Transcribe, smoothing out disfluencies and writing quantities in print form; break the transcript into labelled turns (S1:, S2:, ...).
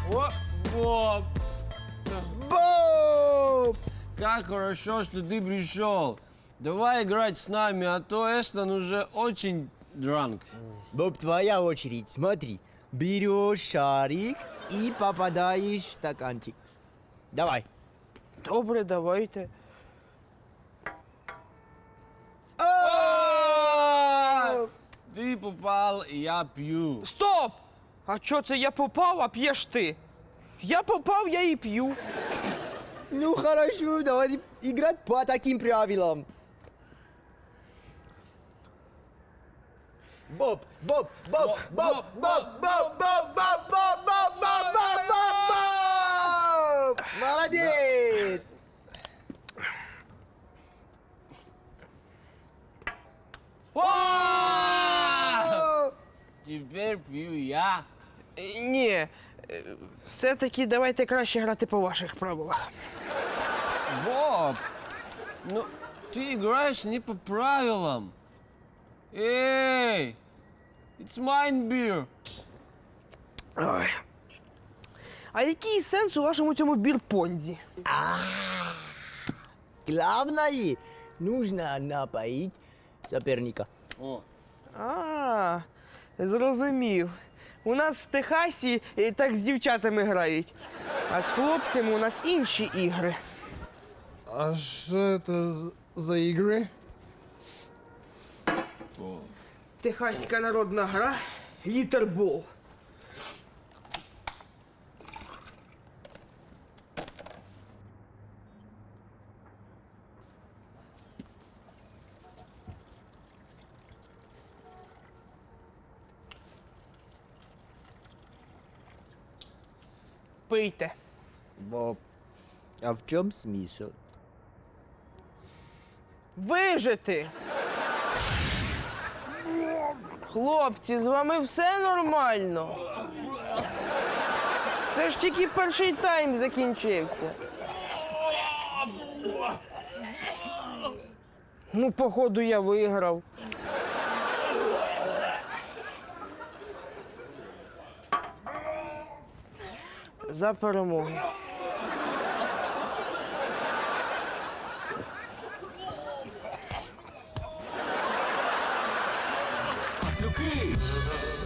S1: О, Боб!
S2: Боб!
S1: Как хорошо, что ты пришел. Давай играть с нами, а то Эстон уже очень дранк.
S2: Боб, твоя очередь. Смотри. Берешь шарик и попадаешь в стаканчик. Давай.
S3: Добре, давайте.
S1: Ты попал, и я пью.
S3: Стоп! А чо це я попав, а п'єш ти? Я попав, я і п'ю.
S2: Ну хорошо, давай играть по таким правилам. Боб, Боб, Боб, Боб, Боб, Боб, Боб, Боб, Боб, Боб, Боб, Боб, Боб, Боб! Молодец!
S1: Теперь пью я.
S3: Ні, все-таки давайте краще грати по ваших правилах.
S1: Боб, ну ты играешь не по правилам. Эй, it's mine beer.
S3: Ой. А який сенс у вашому цьому бірпонзі?
S2: Главное, нужно напоить соперника.
S1: О,
S3: А, зрозумів. У нас в Техасі так з дівчатами грають, а з хлопцями у нас інші ігри.
S4: А что это за игры?
S3: Техаська народна гра літербол. Пийте.
S2: Боб, а в чем смысл?
S3: Вижити. Хлопці, з вами все нормально. Це ж тільки перший тайм закінчився. Ну, походу, я виграв. За перемогу.
S5: Маслюки!